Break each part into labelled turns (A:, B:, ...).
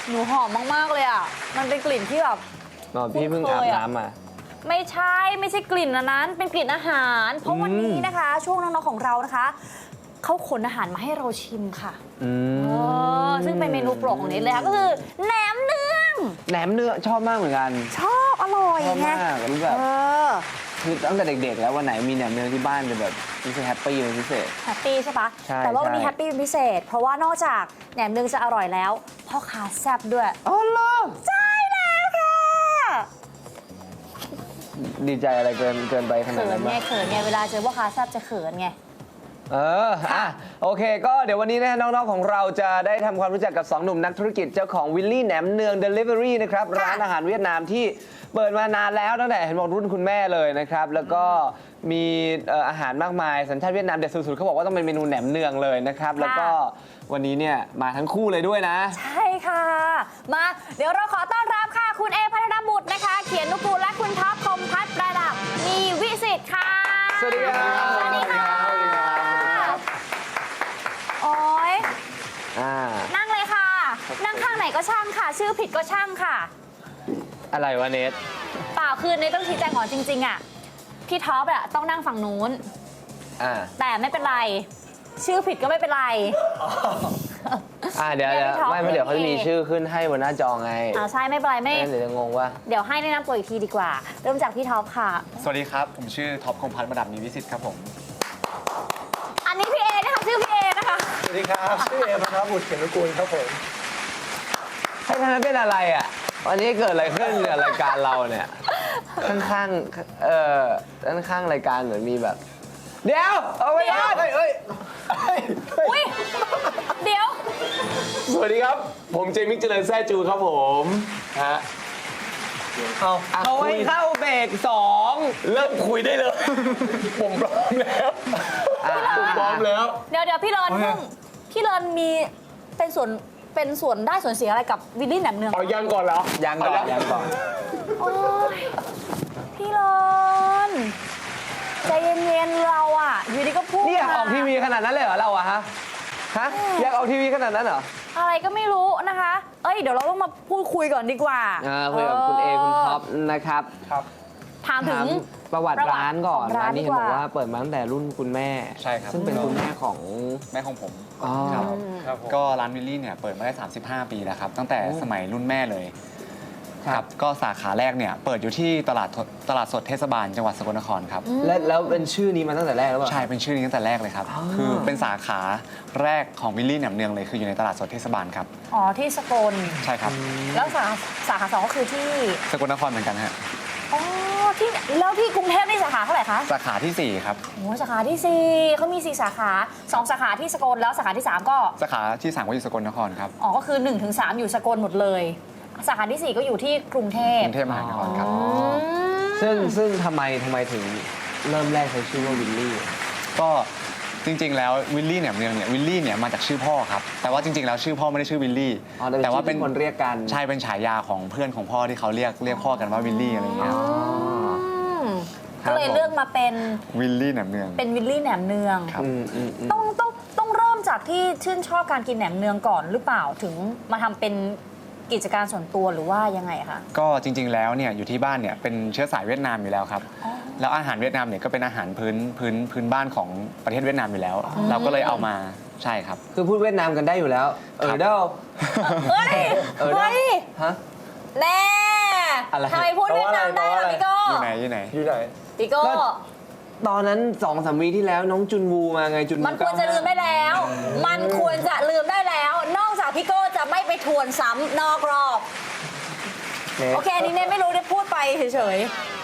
A: หนูหอมมากๆเลยอ่ะมันเป็นกลิ่นที่แบบ
B: พี่เพิ่งอาบน้ำมา
A: ไม่ใช่กลิ่นอันนั้นเป็นกลิ่นอาหาร เพราะวันนี้นะคะ ช่วงน้องๆของเรานะคะเขาขนอาหารมาให้เราชิมค่ะซึ่งเป็นเมนูโปรดของเนทเลยค่ะก็คือแหนมเนือง
B: ชอบมากเหมือนกัน
A: ชอบอร่อย
B: ชอบ
A: ไง
B: มากรู้แบบคือตั้งแต่เด็กๆแล้ววันไหนมีแหนมเนืองที่บ้านจะแบบรู้สึกแฮปปี้เป็นพิเศษ
A: แฮปปี้ใช่ปะ
B: ใช่
A: แต่ว่าวันนี้แฮปปี้เป็นพิเศษ เพราะว่านอกจากแหนมเนืองจะอร่อยแล้วพ่อค้าแซ่บด้วย
B: อ๋อเหรอ
A: ใช่แล้วค่ะ
B: ดีใจอะไรเกินไปขนาด
A: เขิ
B: นั้น น
A: ไง
B: ปะ
A: เขินไงเวลาเจอพ่อค้าแซ่บจะเขินไง
B: โอเคก็เดี๋ยววันนี้นะน้องๆของเราจะได้ทำความรู้จักกับ 2 หนุ่มนักธุรกิจเจ้าของวิลลี่แหนมเนือง Delivery นะครับร้านอาหารเวียดนามที่เปิดมานานแล้วตั้งแต่เห็นบอกรุ่นคุณแม่เลยนะครับแล้วก็มีอาหารมากมายสัญชาติเวียดนามเด็ดสุดๆเขาบอกว่าต้องเป็นเมนูแหนมเนืองเลยนะครับแล้วก็วันนี้เนี่ยมาทั้งคู่เลยด้วยนะ
A: ใช่ค่ะ มาเดี๋ยวเราขอต้อนรับค่ะ คุณเอพัฒนบุตรนะคะ เขียนนุกูลและคุณท็อปคมพัฒน์ประดับมีวิสิทธิ์ค่ะ
B: สวัสดีครับ
A: สวัสดีค่ะโอ้ยนั่งเลยค่ะ นั่งข้างไหนก็ช่างค่ะ ชื่อผิดก็ช่างค่ะ
B: อะไรวะเนท
A: เปล่าคือในต้องชี้แจงก่อนจริงๆอ่ะพี่ท็อปอ่ะต้องนั่งฝั่งนู้นแต่ไม่เป็นไร ชื่อผิดก็ไม่เป็นไร
B: เดี๋ยวไม่เดี๋ยวเขาจะมีชื่อขึ้นให้บนหน้าจอไง
A: ใช่ไม่เป็นไรไม่
B: เดี๋ยวจะงงว่า
A: เดี๋ยวให้แนะนำตัวอีกทีดีกว่า เริ่มจากพี่ท็อปค่ะ
C: สวัสดีครับ ผมชื่อท็อปคมพัฒน์ประดับมีวิสิทธิ์ครับผม
A: อันนี้พี่เอนะคะชื่อพี่เอนะคะ
C: สวัสดีครับ ชื่อเอพัฒนบุตรเขียนนุกูลครับผม
B: ให้ท่านเป็นอะไรอ่ะวันนี้เกิดอะไรขึ้นกับรายการเราเนี่ยข้างๆรายการเหมือนมีแบบเดี๋ยวเอาไว้ก่อน
A: อุ้ยเดี๋ยว
B: สวัสดีครับผมเจมิกเจริญแซ่จูครับผมฮะเอาไว้เข้าเบรก2เริ่มคุยได้เลยผมพร้อมแล้วผมพร้อมแล้ว
A: เดี๋ยวพี่เลินเพิ่งพี่เลินมีเป็นส่วนได้ส่วนเสียอะไรกับวิลลี่แหนมเนือง
B: เอายังก่อนเหรอยังก่อน
A: โอ้ยพี่เลินใจเย็นๆเราอ่ะอยู่ดีก็พูด
B: นี่อยากออกทีวีขนาดนั้นเลยเหรอเราอะฮะอยากออกทีวีขนาดนั้นเหรอ
A: อะไรก็ไม่รู้นะคะเดี๋ยวเราต้องมาพูดคุยก่อนดีกว่า
B: คุยกับคุณเอคุณท็อปนะครับ
A: ถามถึง
B: ประวัติร้านก่อนร้านนี้เห็นบอกว่าเปิดมาตั้งแต่รุ่นคุณแม่
C: ใช่ครับ
B: ซึ่งเป็นคุณแม่ของ
C: ผมครับก็ร้านวิลลี่เนี่ยเปิดมาได้35 ปีแล้วครับตั้งแต่สมัยรุ่นแม่เลยครับก็สาขาแรกเนี่ยเปิดอยู่ที่ตลาดสดเทศบาลจังหวัดสกลนครครับ
B: แล้วเป็นชื่อนี้มาตั้งแต่แรกหรือเปล่า
C: ใช่เป็นชื่อนี้ตั้งแต่แรกเลยครับคือเป็นสาขาแรกของวิลลี่แหนมเนืองเลยคืออยู่ในตลาดสดเทศบาลครับ
A: ที่สกล
C: ใช่ครับ
A: แล้วสาขา2ก็คือที่
C: สกลนครเหมือนกันฮะ
A: แล้วที่กรุงเทพนี่สาขาเท่าไหร่คะ
C: สาขาที่4ครับ
A: สาขาที่4เขามี4สาขา2สาขาที่สกลแล้วสาขาที่3ก็
C: สาขาที่3ก็อยู่สกลนครครับ
A: ก็คือ1 ถึง 3อยู่สกลหมดเลยสาขาที่4ก็อยู่ที่กรุงเทพ
C: มหานครครับ
B: ซึ่งทำไมถึงเริ่มแรกใช้ชื่อว่าวิลลี่
C: ก็จริงๆแล้ววิลลี่เนี่ยวิลลี่เนี่ยมาจากชื่อพ่อครับแต่ว่าจริงๆแล้วชื่อพ่อไม่ได้ชื่อวิลลี่
B: แต่ว่าเป็นคนเรียกกัน
C: ใช่เป็นฉายาของเพื่อนของพ่อที่เขาเรียกพ่อกันว่าวิลลี่อะไรอย่างเงี้ย
A: ก็เลยเลือกมาเป็น
C: วิลลี่แหนมเนือง
A: เป็นวิลลี่แหนมเนือง
C: ครับ
A: ต้องเริ่มจากที่ชื่นชอบการกินแหนมเนืองก่อนหรือเปล่าถึงมาทำเป็นกิจการส่วนตัวหรือว่ายังไงคะ
C: ก็จริงๆแล้วเนี่ยอยู่ที่บ้านเนี่ยเป็นเชื้อสายเวียดนามอยู่แล้วครับแล้วอาหารเวียดนามเนี่ยก็เป็นอาหารพื้นบ้านของประเทศเวียดนามอยู่แล้วเราก็เลยเอามาใช่ครับ
B: คือพูดเวียดนามกันได้อยู่แล้ว
A: เด้อเฮ้ย
B: ฮะ
A: แน่ทำไมพูดเวียดนามได้ล่ะพี่โก้
C: อยู่ไหน
A: พี่โก้
B: ตอนนั้น2-3 วีที่แล้วน้องจุนวูมาไงจุนวู
A: มันควรจะลืมได้แล้วมันควรจะลืมได้แล้วนอกจากพี่โก้จะไม่ไปทวนซ้ำนอกรอบโอเคอันนี้เนไม่รู้ได้พูดไปเฉย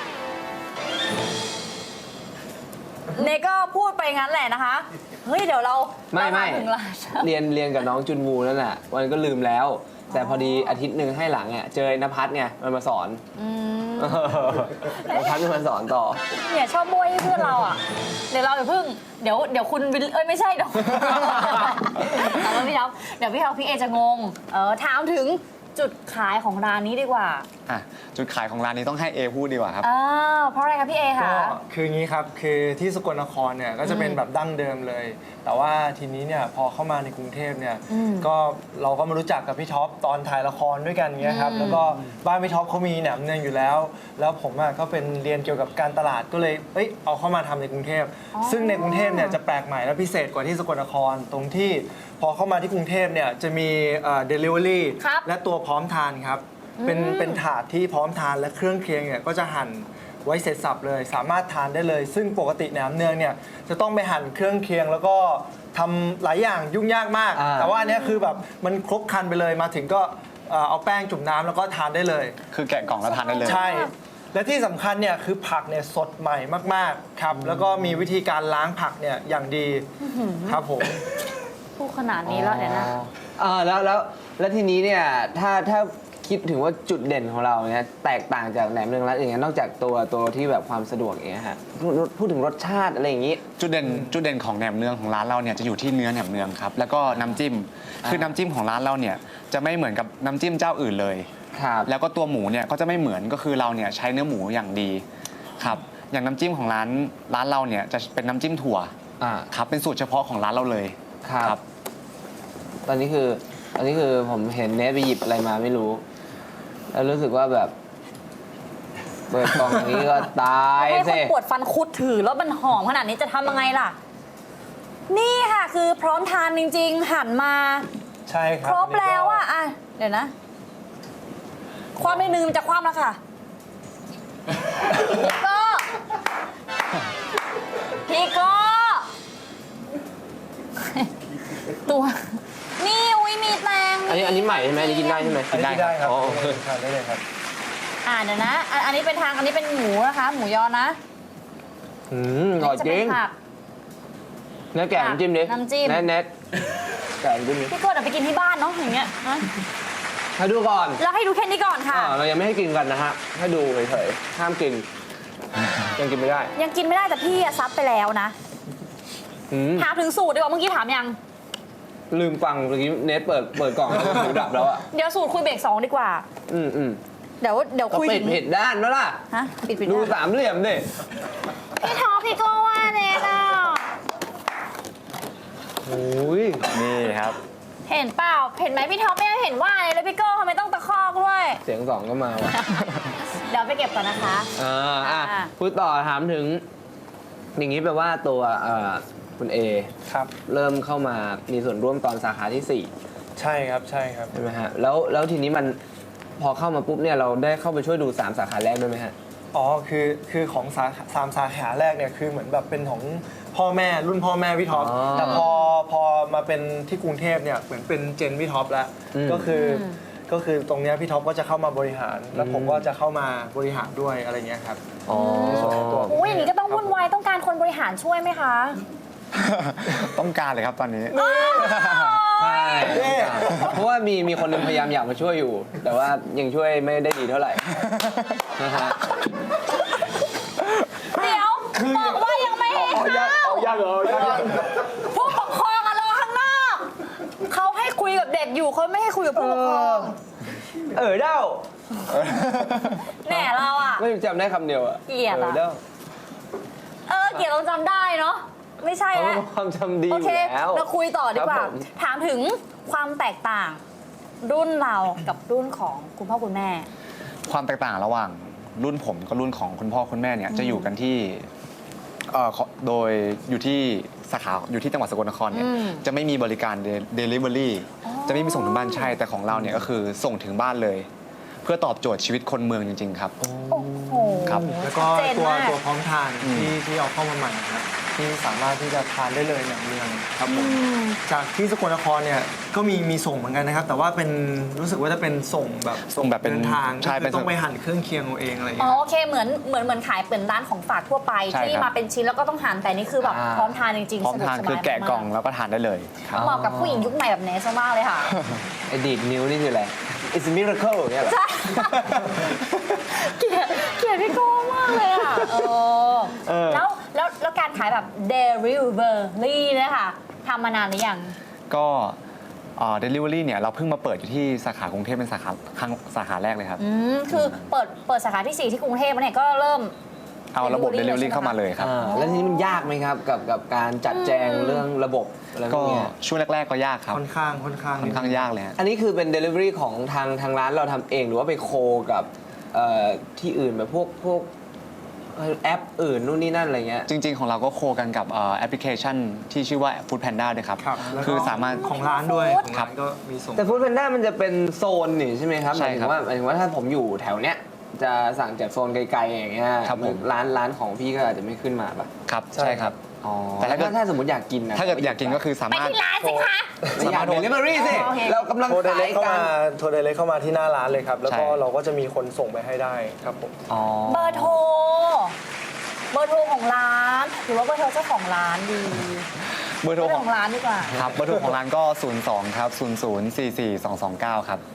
A: ๆเนก็พูดไปงั้นแหละนะคะเฮ้ยเดี๋ยวเรา
B: ไม่เรียนกับน้องจุนวูนั่นแหละวันก็ลืมแล้วแต่พอดีอาทิตย์หนึ่งให้หลังเจอนภัสไงมันมาสอนนภัสมันมาสอนต่อ
A: เนี่ยชอบบ้วยให้เพื่อนเราเดี๋ยวเราเดี๋ยวคุณไม่ใช่เดี๋ยวพี่ท็อปพี่เอจะงงถามถึงจุดขายของร้านนี้ดีกว่า
C: อ่ะจุดขายของร้านนี้ต้องให้เอพูดดีกว่าครับ
A: เพราะอะไรคะพี่เอ
D: ก็
A: คะ
D: คืออย่างนี้ครับคือที่สกลนครเนี่ยก็จะเป็นแบบดั้งเดิมเลย แต่ว่าทีนี้เนี่ยพอเข้ามาในกรุงเทพเนี่ยก็เราก็มารู้จักกับพี่ท็อปตอนถ่ายละครด้วยกันเงี้ยครับแล้วก็บ้านพี่ท็อปเขามีแหนมเนืองอยู่แล้ว แล้วผมก็เป็นเรียนเกี่ยวกับการตลาดก็เลยเอาเข้ามาทำในกรุงเทพซึ่งในกรุงเทพเนี่ยจะแปลกใหม่และพิเศษกว่าที่สกลนครตรงที่พอเข้ามาที่กรุงเทพเนี่ยจะมีdelivery
A: ครับ
D: และตัวพร้อมทานครับเป็นถาดที่พร้อมทานและเครื่องเคียงเนี่ยก็จะหั่นไว้เสร็จสับเลยสามารถทานได้เลย ซึ่งปกติแหนมเนืองเนี่ยจะต้องไปหั่นเครื่องเคียงแล้วก็ทำหลายอย่างยุ่งยากมาก แต่ว่าอันเนี้ยคือแบบมันครบครันไปเลยมาถึงก็เอาแป้งจุ่มน้ำแล้วก็ทานได้เลย
C: คือแกะกล่องแล้วทานได้เลย
D: ใช่ และที่สำคัญเนี่ยคือผักเนี่ยสดใหม่มากๆครับแล้วก็มีวิธีการล้างผักเนี่ยอย่างดีครับผม
A: พูดขนาดนี้แล้วเนี่ยนะ
B: แล้วทีนี้เนี่ยถ้าคิดถึงว่าจุดเด่นของเราเนี่ยแตกต่างจากแหนมเนืองร้านอื่นเนี่ยนอกจากตัวที่แบบความสะดวกอย่างเงี้ยฮะพูดถึงรสชาติอะไรอย่างงี้
C: จุดเด่นของแหนมเนืองของร้านเราเนี่ยจะอยู่ที่เนื้อแหนมเนืองครับแล้วก็น้ำจิ้มคือน้ำจิ้มของร้านเราเนี่ยจะไม่เหมือนกับน้ำจิ้มเจ้าอื่นเลย
B: ครับ
C: แล้วก็ตัวหมูเนี่ยก็จะไม่เหมือนก็คือเราเนี่ยใช้เนื้อหมูอย่างดีครับอย่างน้ำจิ้มของร้านเราเนี่ยจะเป็นน้ำจิ้มถั่ว
B: อ่า
C: ครับเป็นสูตรเฉพาะของร้านเราเลย
B: ครับ ตอนนี้คือผมเห็นเนทไปหยิบอะไรมาไม่รู้ แล้วรู้สึกว่าแบบเปิดกล่องอย่างนี้ก็ตาย
A: ให้ค
B: สิ
A: นปวดฟันคุดถือแล้วมันหอมขนาดนี้จะทำยังไงล่ะ นี่ค่ะคือพร้อมทานจริงๆ หันมา
D: ใช่ครับ
A: ครบแล้วอ่ะเดี๋ยวนะ ความในหนึ่งมันจะคว่ำแล้วค่ะพี่โก้พี่โก้ตัว นี่อุ้ยมีแตง
B: อันนี้ใหม่ใช่ไหมอันนี้กินได้ใช่ไหม
D: อันนี้ได้ครับ
B: อ๋อ
D: ทานได้เลยครับ
A: เดี๋ยวนะ อันนี้เป็นอันนี้เป็นหมูนะคะ หมูยอนะ
B: อร่อย
A: จะ
B: จ
A: เป็
B: ริ
A: น
B: ง
A: ผัก
B: เนื้อแกะน้ำจิ้มดิ
A: น้ำจิ้ม
B: เน็ตแกะน้ำจิ้มดิ
A: พี่โก้เดี๋ยวไปกินที่บ้านเนาะอย่างเงี้ยนะ
B: ให้ดูก่อน
A: แล้วให้ดูแค่นี้ก่อนค่ะ
B: เรายังไม่ให้กินกันนะฮะให้ดูเฉยๆห้ามกิน ยังกินไม่ได้
A: ยังกินไม่ได้แต่พี่ซับไปแล้วนะ
B: อืม
A: ถามถึงสูตรดีกว่าเมื่อกี้ถามยัง
B: ลืมฟังเมื่อกี้เน็ตเปิดกล่องแล้วหูดับแล้วอ่ะ
A: เดี๋ยวสูตรคุยเบรก2ดีกว่า
B: อืม
A: เดี๋ยว
B: ก็
A: คุย
B: ปิ
A: ถึ
B: ด
A: ง
B: ผิดด้านแล้วล่ะ
A: ฮะปิด
B: ดู
A: ได้
B: สามเหลี่ยมดิ
A: พี่ท็อปพี่โก้ว่าเนี่ยนะ
B: โอ้ย
C: นี่ครับ
A: เห็นเปล่าเห็นไหมพี่ท็อปไม่เห็นว่าเลยแล้วพี่โก้ทำไมต้องตะคอกด้วย
B: เสียงสองก็มาว่ะ
A: เดี๋ยวไปเก็บก่อนนะคะ
B: อ่าพูดต่อถามถึง อย่างนี้แปลว่าตัวคุณเอ
D: ครับ
B: เริ่มเข้ามามีส่วนร่วมตอนสาขาที่
D: ใช่ครับใช่ครับ
B: 4 ใช่ไหมฮะแล้วทีนี้มันพอเข้ามาปุ๊บเนี่ยเราได้เข้าไปช่วยดู 3 สาขาแรกด้วยไหมฮะ
D: อ๋อคือของสามสาขาแรกเนี่ยคือเหมือนแบบเป็นของพ่อแม่รุ่นพ่อแม่พี่ท็อป
B: อ๋อ
D: แต่พอมาเป็นที่กรุงเทพเนี่ยเหมือนเป็นเจนพี่ท็อปแล้ว
B: อืม
D: ก็คือตรงเนี้ยพี่ท็อปก็จะเข้ามาบริหาร แล้วผมก็จะเข้ามาบริหารด้วยอะไรเงี้ยครับ
B: อ๋อ
D: ในส่วนของตัว
A: อุ้ยอย่างนี้ก็ต้องวุ่นวายต้องการคนบริหารช่วยไหมคะ
C: ต้องการเลยครับตอนนี้
B: ใช่เพราะว่ามีคนหนึงพยายามอยากมาช่วยอยู่ แต่ว่ายังช่วยไม่ได้ดีเท่าไหร่นะฮะ
A: เดี๋ยวบอกว่ายังไม่ให้เข้า
B: ยังเหรอยัง
A: ผู้ปกครองอะรอข้างนอกเขาให้คุยกับเด็กอยู่เขาไม่ให้คุยกับผู้ปกครอง
B: เด้า
A: แหน่เราอะ
B: ไม่จำได้คำเดียวอะ
A: เกลียดอะ
B: เด้า
A: เกลียดเราจำได้เนาะไม่ใช่
B: เขา
A: แล้ว
B: เป็นความจำดีอ
A: โอยู่ เค
B: แล้ว
A: เราคุยต่อดีกว่า
B: ครับผม
A: ถามถึงความแตกต่าง รุ่นเรากับรุ่นของคุณพ่อคุณแม่
C: ความแตกต่างระหว่างรุ่นผมกับรุ่นของคุณพ่อคุณแม่เนี่ยจะอยู่กันที่โดยอยู่ที่สาขาอยู่ที่จังหวัดสกลนครเนี่ย
A: อืม
C: จะไม่มีบริการ Delivery จะไม่มีส่งถึงบ้านใช่แต่ของเราเนี่ยก็คือส่งถึงบ้านเลย เพื่อตอบโจทย์ชีวิตคนเมืองจริงๆครับ
A: โอ้โห
C: ครับ
D: แล้วก็
A: ชัดเจน
D: ตัว
A: มาก
D: พร้อมทานที่เอาเข้ามาใหม่นะครับที่สามารถที่จะทานได้เลยอย่างเมืองครับผมจากที่สกลนครเนี่ยก็มีส่งเหมือนกันนะครับ แต่ว่าเป็นรู้สึกว่าจะเป็นส่งแบบ
C: ส่งแบบเป็น
D: เดินทาง
C: ใช่
D: ก็
C: เป็
D: คื
C: น
D: อต้องไปหั่นเครื่องเคียงเอาเองอะไรอย่าง
A: อ๋อ
D: เงี้ย
A: โอเคเหมือนขายเป็นร้านของฝากทั่วไป
C: ใช่
A: ที่
C: ครับ
A: มาเป็นชิ้นแล้วก็ต้องหั่นแต่นี่คือแบบพร้อมทานจริงๆ
C: พร้อมทาน
A: สะดว
C: คือแกะกล่อง
A: สบายมาก
C: แล้วก็ทานได้เลยครับ
A: เหมาะกับผู้หญิงยุคใหม่แบบเนสมากเลยค่ะ
B: ไอ้ดีดนิ้วนี่คืออะไร It's a miracle เนี่ยเหรอ
A: ใช่ เกลียดพี่โก้มากเลยอ่ะแล้วการขายแบบ delivery นะคะทำมานานหรือยัง
C: ก็ delivery เนี่ยเราเพิ่งมาเปิดอยู่ที่สาขากรุงเทพเป็นสาขาแรกเลยครับ
A: คือเปิดสาขาที่ 4 ที่กรุงเทพเนี่ยก็เริ่ม
C: เอาระบบ delivery เข้ามาเลยครับ
B: แล้วทีนี้มันยากไหมครับกับการจัดแจงเรื่องระบบอะไรพ
C: ก็
B: วกเนี้ย
C: ช่วงแรกๆก็ยากครับ
D: ค่อนข้าง
C: ค่อนข้างยากเลยฮะ
B: อันนี้คือเป็น Delivery ของทางร้านเราทำเองหรือว่าไปโคกับที่อื่นแบบพวกแอปอื่นนู่นนี่นั่นอะไรเงี้ย
C: จริงๆ ของเราก็โคกันกับแอปพลิเคชันที่ชื่อว่า Food Panda ด้วยครับ
D: ครับแล้วก็
C: คือสามารถ
D: ของร้านด้วยของ
C: ครั
D: ร้า
C: บ
D: นก็มีส่ง
B: แต่ฟู้ดแพนด้ามันจะเป็นโซนนี่ใช่ไหมครับ
C: ใช่ครับ
B: หมายถึงว่าถ้าผมอยู่แถวเนี้ยจะสั่งจากโซนไกลๆอย่างเงี้ย
C: ครับผม
B: ร้านของพี่ก็อาจจะไม่ขึ้นมาป่ะ
C: ครับ
D: ใช่
C: ใช่ครับ
B: อ๋อ
C: แต่
B: แต่
C: ถ้าเกิด
B: ถ้าสมมติอยากกินนะ
C: ถ้าเกิดอยากกินก็คือสา
A: ไป
C: มารถ
A: ที่ร้านสิคะ
B: ไม่อยาก Delivery สิ
A: โอเค
B: เรากำลัง
D: โทรเด
B: ขา
D: เล็
B: ย
D: กเข้า
B: กั
D: มาน โทรเดเล็กเข้ามาที่หน้าร้านเลยครับ แล้วก็
C: ใช่
D: เราก็จะมีคนส่งไปให้ได้ครับผม
B: อ๋อ
A: เบอร์โทรของร้านหรือว่าเบอร์โทรเจ้าของร้านดี
C: เบอร์โทร
A: เจ้า
C: ข
A: ข
C: อ
A: อง งร้านดีกว่า
C: ครับเบอร์โทรของร้านก็ 02 ครับ 00442229 ครับ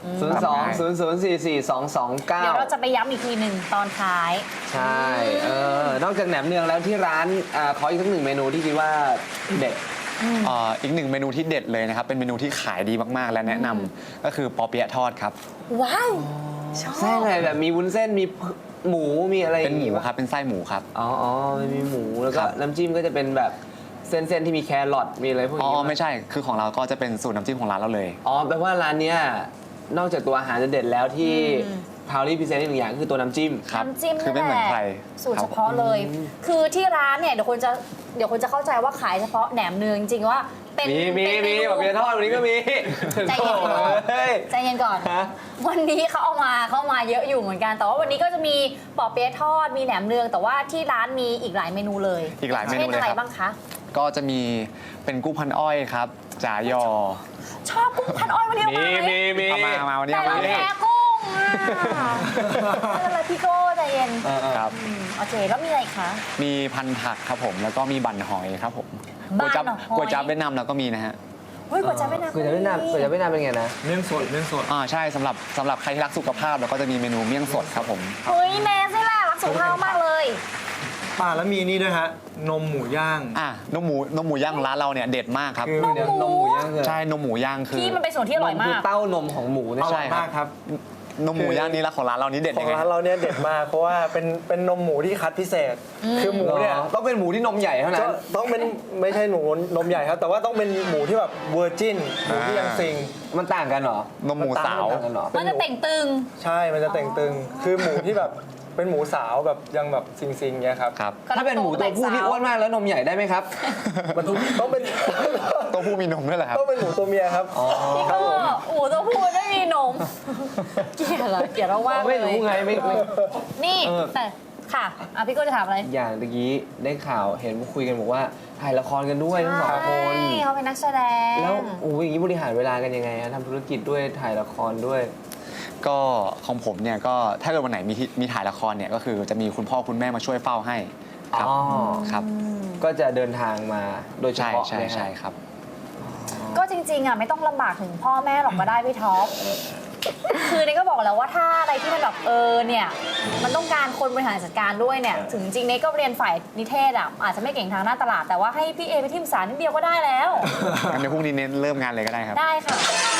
B: 02-0044229
A: เดี๋ยวเราจะไปย้ำอีกทีหนึ่งตอนท้าย
B: ใช่นอกจากแหนมเนืองแล้วที่ร้านขออีกสักหนึ่งเมนูที่คิดว่าเด็ด
C: อีกหนึ่งเมนูที่เด็ดเลยนะครับ เป็นเมนูที่ขายดีมากๆ และแนะนำก็คือปอเปี๊ยะทอดครับ
A: ว้าวชอบ
B: ไส้อะไรแบบมีวุ้นเส้นมีหมูมีอะไร
C: เป็นหมู
B: อย่างงี้ปะ
C: ครับ เป็นไส้หมูครับ
B: อ๋อมีหมูแล้วก็
C: ครับ
B: น้ำจิ้มก็จะเป็นแบบเส้นที่มีแครอทมีอะไรพวก
C: อ๋
B: นี้
C: อ
B: ปะ
C: ไม่ใช่ คือของเราก็จะเป็นสูตรน้ำจิ้มของร้านเราเลย
B: อ๋อแปลว่าร้านเนี้ยนอกจากตัวอาหารจะเด็ดแล้วที่พาวลี่พิเศษอีกหนึ่งอย่างคือตัวน้ำจิ้ม
C: ครับ
A: น้ำจิ้ม
C: คือไม่เหมือนใคร
A: สูตรเฉพาะเลย คือที่ร้านเนี่ยเดี๋ยวคนจะเข้าใจว่าขายเฉพาะแหนมเนืองจริงๆว่าเป็น
B: มี
A: เป็นเนู
B: แบบเบียร์ทอดวันนี้ก็มี
A: ใจเย็นก่อน
B: เฮ้ย
A: ใจเย็นก่อน
B: ฮะ
A: วันนี้เขาเอามาเยอะอยู่เหมือนกัน แต่ว่าวันนี้ก็จะมีปอเปี๊ยะทอดมีแหนมเนือง แต่ว่าที่ร้านมีอีกหลายเมนูเลย
C: อีกหลายเมนูเลยครับ
A: ช่นอะไรบ้างคะ
C: ก็จะมีเป็นกุ้งพันอ้อยครับจ่ายอ
A: ชอบกุ้งพันอ้อยวันนี้เอามาไหม
C: เอามาวันนี้
A: แต่
C: เอา
A: เรา
C: มา
A: แพ้กุ้งอ่ะไม่เป็นไรพี่โก้ใจเย็น
C: ครับ
A: โอเคแล้วมีอะไรอีกคะ
C: มีพันผักครับผม แล้วก็มีบั่นหอยครับผม
A: บั่นหอย
C: ก๋วยจั๊บเวียดนามเราก็มีนะฮะ
A: เฮ้ยก๋วยจั๊บเวียดนาม
B: ก๋วยจั๊บเวียดนามเป็นไงนะ
D: เมี่ยงสด
C: ใช่สำหรับใครที่รักสุขภาพเราก็จะมีเมนูเมี่ยงสดครับผม
A: เฮ้ยแม่ใช่แหละรักสุขภาพมากเลย
D: ป่าแล้วมีนี่ด้วยฮะนมหมูย่าง
C: นมหมูย่างของร้านเราเนี่ยเด็ดมากครับ
B: คือเดี๋ยวนมหมูย่างคือ
C: ใช่นมหมูย่างคือ
A: ที่มันเป็นส่วนที่อร่อย
B: คื
A: มา
B: อก เต้านมของหมูเนี่ย
D: อร่
C: ใช่
D: อย
C: ครับ
D: มากครับ
C: นมหมูย่างนี้ละของร้านเรานี้เด็ด
D: ขอ
C: ยัง งไง
D: ร้านเราเนี่ยเด็ดมากเพราะว่าเป็นนมหมูที่คัดพิเศษ คือหมูเนี่ย
B: ต้องเป็นหมูที่นมใหญ่เท่านั้
D: จะ
B: น
D: ต้องเป็นไม่ใช่หมูนมใหญ่ครับ แต่ว่าต้องเป็นหมูที่แบบเวอร์จินหมูที่ยังซิง
B: มันต่างกันเหรอ
C: นมหมูสาว
B: มันต่างกันเหรอ
A: มันจะเต่งตึง
D: ใช่มันจะเต่งตึง คือหมูที่แบบเป็นหมูสาวแบบยังแบบซิงๆเงี้ยครับ
C: ครับ
B: ถ้าเป็นหมูตัวผู้ที่อ้วนมากแล้วนมใหญ่ได้ไหมครับ
D: มันต้องเป็น
C: ตัวผู้มีนมด้วยเหรอครับ
D: ต้องเป็นหมูตัวเมียครับ
A: พี่โก้โอ้โหตัวพูดไม่มีนม เกลียดเหรอเกลียดเรามากเล
B: ไม่
A: ย
B: รู้ไงไม่
A: นี่แต่ค่ะพี่โก้จะถามอะไร
B: อย่างตะกี้ได้ข่าวเห็นคุยกันบอกว่าถ่ายละครกันด้วยทั้งสองคน
A: ใช่เขาเป็นนักแสดง
B: แล้วอย่างนี้บริหารเวลากันยังไงทำธุรกิจด้วยถ่ายละครด้วย
C: ก็ของผมเนี่ยก็ถ้าเกิดวันไหนมีถ่ายละครเนี่ยก็คือจะมีคุณพ่อคุณแม่มาช่วยเฝ้าให้ครับ
B: อ๋อ
C: ครับ
B: ก็จะเดินทางมาโดยเฉ
C: ใช่
B: พาะ
C: ใช่
B: เลยฮะ
C: ใช่ครับ
A: ก็จริงๆอ่ะไม่ต้องลำบากถึงพ่อแม่หรอกก็ได้พี่ท็อป คือเนี่ยก็บอกแล้วว่าถ้าอะไรที่มันแบบเนี่ยมันต้องการคนบริหารจัดการด้วยเนี่ยถึงจริงเนี่ยก็เรียนฝ่ายนิเทศอ่ะอาจจะไม่เก่งทางหน้าตลาดแต่ว่าให้พี่เอไปที่ปรึกษานิดเดียวก็ได้แล้ว
C: งั้นเดี๋ยวพรุ่งนี้เน้นเริ่มงานเลยก็ได้ครับ
A: ได้ค่ะ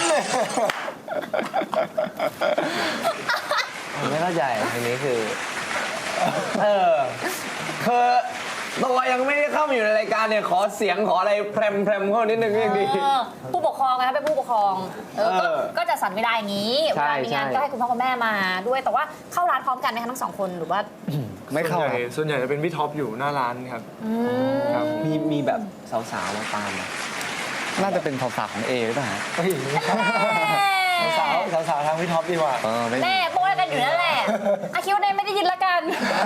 B: ผมไม่เข้าใจอันนี้คือคือตัวยังไม่ได้เข้ามาอยู่ในรายการเนี่ยขอเสียงขออะไรแพรมเข้านิดนึงก็ยังดี
A: ผู้ปกครองนะคะเป็นผู้ปกครองก็จะสั่นไม่ได้อย่างนี้เว
B: ใช่
A: ลามีงาน
B: ใช่
A: ก็ให้คุณพ่อคุณแม่มาด้วยแต่ว่าเข้าร้านพร้อมกันไหมคะทั้งสองคนหรือว่า
C: ไม่เข้าครับ
D: ส่วนใหญ่จะเป็นพี่ท็อปอยู่หน้าร้านครับ ครับ
B: มีแบบสาวๆมาตามไหม
C: น่าจะเป็นภาษาของเอหรือเปล่าฮะ
D: เฮ้ยสาวทางพี่ท็อปดีกว่า
C: ไม่
A: แน่โป้กันอยู่นั่นแหละอาคิดว่าเนยไม่ได้ยินละกัน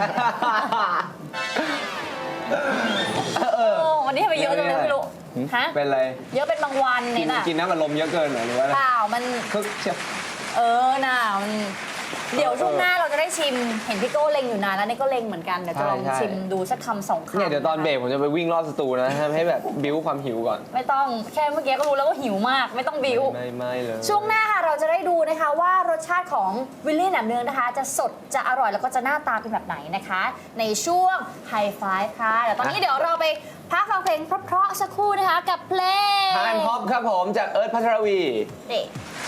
A: วันนี้ทำไมเยอะจังเลยไม่รู้ฮะ
B: เป็นอะไร
A: เยอะเป็นบางวันเนี่ยน่ะ
B: กินน้ำมันลมเยอะเกินเหรอหรือว่าอะไร
A: เปล่ามัน
B: คึกเชียว
A: น่ะมันเดี๋ยวช่วงหน้าเราจะได้ชิมเห็นพี่โก้เล็งอยู่นานแล้วนี่ก็เล็งเหมือนกันเดี๋ยวจะลอง
B: ใช่
A: ชิมดูสักคำสองคำ
B: เนี่ยเดี๋ยวตอนเบรกผมจะไปวิ่งรอบสตูนะให้แบบบิ้วความหิวก่อน
A: ไม่ต้องแค่เมื่อกี้ก็รู้แล้วว่าหิวมากไม่ต้องบิ้ว
B: ไม่เลย
A: ช่วงหน้าค่ะเราจะได้ดูนะคะว่ารสชาติของวิลลี่แหนมเนืองนะคะ จะสดจะอร่อยแล้วก็จะหน้าตาเป็นแบบไหนนะคะ ในช่วงไฮไฟว์ค่ะแต่ตอนนี้เดี๋ยวเราไปพักฟังเพลงเพราะๆสักครู่นะคะกับเพลง
B: ทานพ็อปครับผมจากเอิร์ธพัทรวี
A: เด็ก